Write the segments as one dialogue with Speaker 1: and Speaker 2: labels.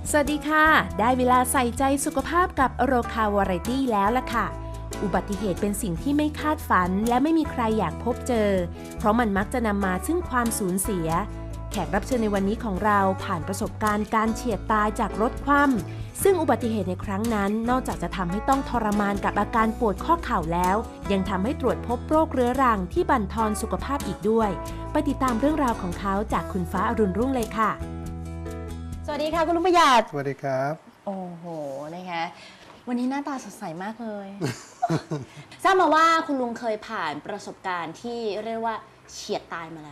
Speaker 1: สวัสดีค่ะได้เวลาใส่ใจสุขภาพกับโรคาวาไรตี้แล้วล่ะค่ะอุบัติเหตุเป็นสิ่งที่ไม่คาดฝันและไม่มีใครอยากพบเจอเพราะมันมักจะนำมาซึ่งความสูญเสียแขกรับเชิญในวันนี้ของเราผ่านประสบการณ์การเฉียดตายจากรถคว่ำซึ่งอุบัติเหตุในครั้งนั้นนอกจากจะทำให้ต้องทรมานกับอาการปวดข้อเข่าแล้วยังทำให้ตรวจพบโรคเรื้อรังที่บั่นทอนสุขภาพอีกด้วยไปติดตามเรื่องราวของเขาจากคุณฟ้าอรุณรุ่งเลยค่ะ
Speaker 2: สวัสดีค่ะคุณลุงประหยัด
Speaker 3: สวัสดีครับ
Speaker 2: โอ้โหนะคะวันนี้หน้าตาสดใสมากเลย ทราบมาว่าคุณลุงเคยผ่านประสบการณ์ที่เรียกว่าเฉียดตายมาแล้ว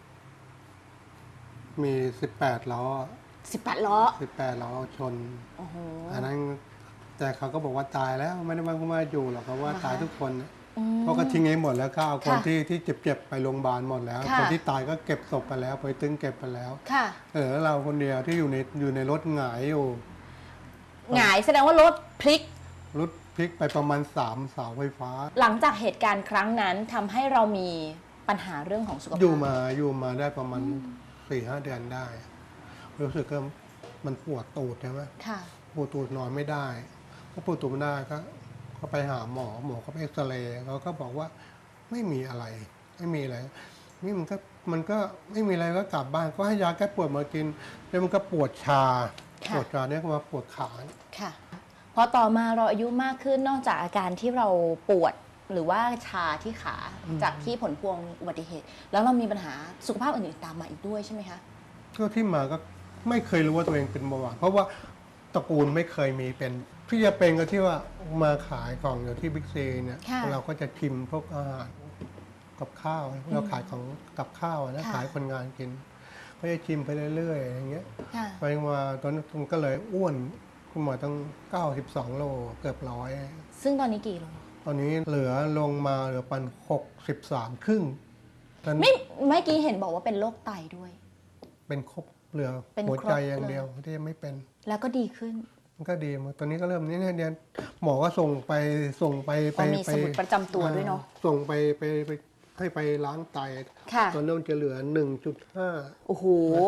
Speaker 3: มี18ล้อ
Speaker 2: 18ล้อ
Speaker 3: 18ล้อชน
Speaker 2: โอ้โห
Speaker 3: อันนั้นแต่เขาก็บอกว่าตายแล้วไม่ได้มาอยู่หรอกเขาว่าตายทุกคนเพราะก็ทิ้งให้หมดแล้วก็เอาคนที่เจ็บไปโรงพยาบาลหมดแล้วคนที่ตายก็เก็บศพไปแล้วไปตึงเก็บไปแล้วเราคนเดียวที่อยู่ในรถหงายอยู่
Speaker 2: หงายแสดงว่ารถพลิก
Speaker 3: ไปประมาณ3เสาไฟฟ้า
Speaker 2: หลังจากเหตุการณ์ครั้งนั้นทำให้เรามีปัญหาเรื่องของสุขภาพ
Speaker 3: อยู่มาได้ประมาณ4-5 เดือนได้รู้สึกว่ามันปวดตูดใช่ไหมปวดตูดนอนไม่ได้พอปวดตูดไม่ได้ก็ไปหาหมอเขาไปเอ็กซเรย์เขาก็บอกว่าไม่มีอะไรนี่มันก็ไม่มีอะไรก็กลับบ้านก็ให้ยาแก้ปวดมากินแล้วมันก็ปวดชาเนี่ยก็มาปวดขา
Speaker 2: ค่ะพอต่อมาเราอายุมากขึ้นนอกจากอาการที่เราปวดหรือว่าชาที่ขาจากที่ผลพวงอุบัติเหตุแล้วเรามีปัญหาสุขภาพอื่นๆตามมาอีกด้วยใช่ไหมคะ
Speaker 3: ก็ที่มาก็ไม่เคยรู้ว่าตัวเองเป็นเบาหวานเพราะว่าตระกูลไม่เคยมีเป็นที่จะเป็นก็ที่ว่ามาขายของอยู่ที่บิ๊กซีเนี่ยเราก็จะชิมพวกอาหารกับข้าวเราขายของกับข้าวนะขายคนงานกินก็จะชิมไปเรื่อยๆอย่างเงี้ยไปมาตอนนั้นก็เลยอ้วนคุณหมอต้อง92โลเกือบ100
Speaker 2: ซึ่งตอนนี้กี่โล
Speaker 3: ตอนนี้เหลือลงมาเหลือปัน63ครึ่ง
Speaker 2: เมื่อกี้เห็นบอกว่าเป็นโรคไตด้วย
Speaker 3: เป็นครบเหลือหัวใจอย่างเดียวที่ไม่เป็น
Speaker 2: แล้วก็ดีขึ้น
Speaker 3: มันก็ดีตอนนี้ก็เริ่มนี่เนี่ยหมอก็ส่งไป
Speaker 2: มีสมุดประจำตัวด้วยเนาะ
Speaker 3: ส่งไปให้ไปล้างไตตอนนั้นจะเหลือ 1.5
Speaker 2: โอ้โห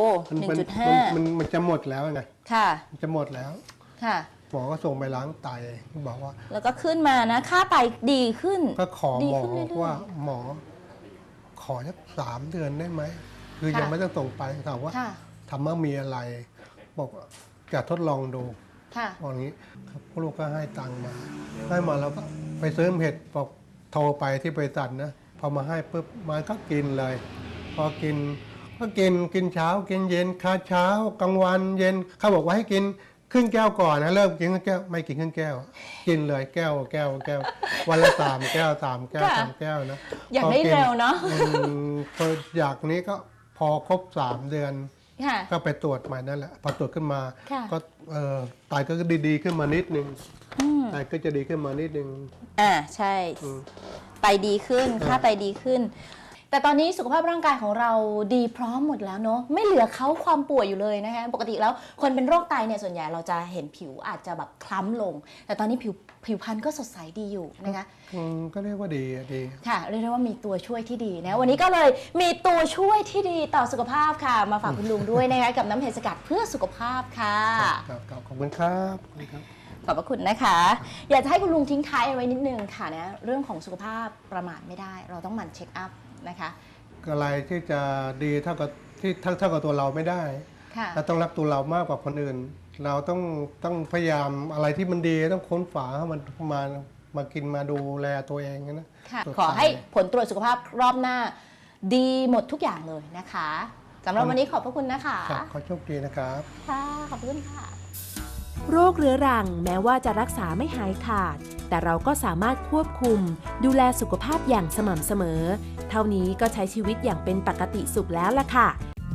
Speaker 2: 1.5
Speaker 3: มันจะหมดแล้วไง
Speaker 2: ค่ะ
Speaker 3: มันจะหมดแล้ว
Speaker 2: ค่ะ
Speaker 3: หมอก็ส่งไปล้างไตบอกว่า
Speaker 2: แล้วก็ขึ้นมานะค่าไตดีขึ้น
Speaker 3: ก็ขอหมอว่าหมอขอสัก3 เดือนได้ไหมคือยังไม่ต้องส่งไปถามว่าทำว่ามีอะไรบอกจะทดลองดูอย่างนี้ครับลูกก็ให้ตังค์มาแล้วก็ไปซื้อเห็ดบอกโทรไปที่บริษัทนะพอมาให้ปุ๊บมันก็กินเลยพอกินก็กินเช้ากินเย็นค่าเช้ากลางวันเย็นเขาบอกว่าให้กินครึ่งแก้วก่อนนะเริ่มกินครึ่งแก้วไม่กินครึ่งแก้วกินเลยแก้ววันละ3 แก้ว3 แก้ว3 แก้วนะ
Speaker 2: อยากได้เร็วเนาะ
Speaker 3: พออยากนี้ก็พอครบ3 เดือนก็ไปตรวจใหม่นั่นแหละพอตรวจขึ้นมาก็ไตก็ดีขึ้นมานิดนึงไตก็จะดีขึ้นมานิดนึง
Speaker 2: ใช่ไตดีขึ้นค่าไตดีขึ้นแต่ตอนนี้สุขภาพร่างกายของเราดีพร้อมหมดแล้วเนาะไม่เหลือเขาความป่วยอยู่เลยนะคะปกติแล้วคนเป็นโรคไตเนี่ยส่วนใหญ่เราจะเห็นผิวอาจจะแบบคล้ำลงแต่ตอนนี้ผิวพรรณก็สดใสดีอยู่นะคะ
Speaker 3: ก็เรียกว่าดี
Speaker 2: ค่ะเรียกได้ว่ามีตัวช่วยที่ดีนะวันนี้ก็เลยมีตัวช่วยที่ดีต่อสุขภาพค่ะมาฝากคุณลุงด้วยนะคะกับน้ำเห็ดสกัดเพื่อสุขภาพค่ะ
Speaker 3: ขอบคุณครับ
Speaker 2: ขอบพระคุณนะคะอยากจะให้คุณลุงทิ้งท้ายเอาไว้นิดนึงค่ะนะเรื่องของสุขภาพประมาทไม่ได้เราต้องหมั่นเช็คอัพนะคะ
Speaker 3: อะไรที่จะดีเท่ากับตัวเราไม่ได้เราต้องรักตัวเรามากกว่าคนอื่นเราต้องพยายามอะไรที่มันดีต้องค้นฝาให้มันมากินมาดูแลตัวเองนะ
Speaker 2: ขอให้ผลตรวจสุขภาพรอบหน้าดีหมดทุกอย่างเลยนะคะสำหรับวันนี้ขอบพระคุณนะคะ
Speaker 3: ขอโชคดีนะครับ
Speaker 2: ค่ะขอบคุณค่ะ
Speaker 1: โรคเรื้อรังแม้ว่าจะรักษาไม่หายขาดแต่เราก็สามารถควบคุมดูแลสุขภาพอย่างสม่ำเสมอเท่านี้ก็ใช้ชีวิตอย่างเป็นปกติสุขแล้วล่ะค่ะ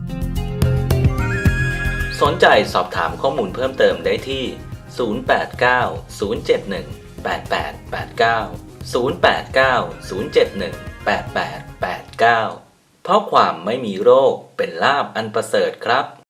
Speaker 4: สนใจสอบถามข้อมูลเพิ่มเติมได้ที่ 089-071-8889 089-071-8889 เพราะความไม่มีโรคเป็นลาภอันประเสริฐครับ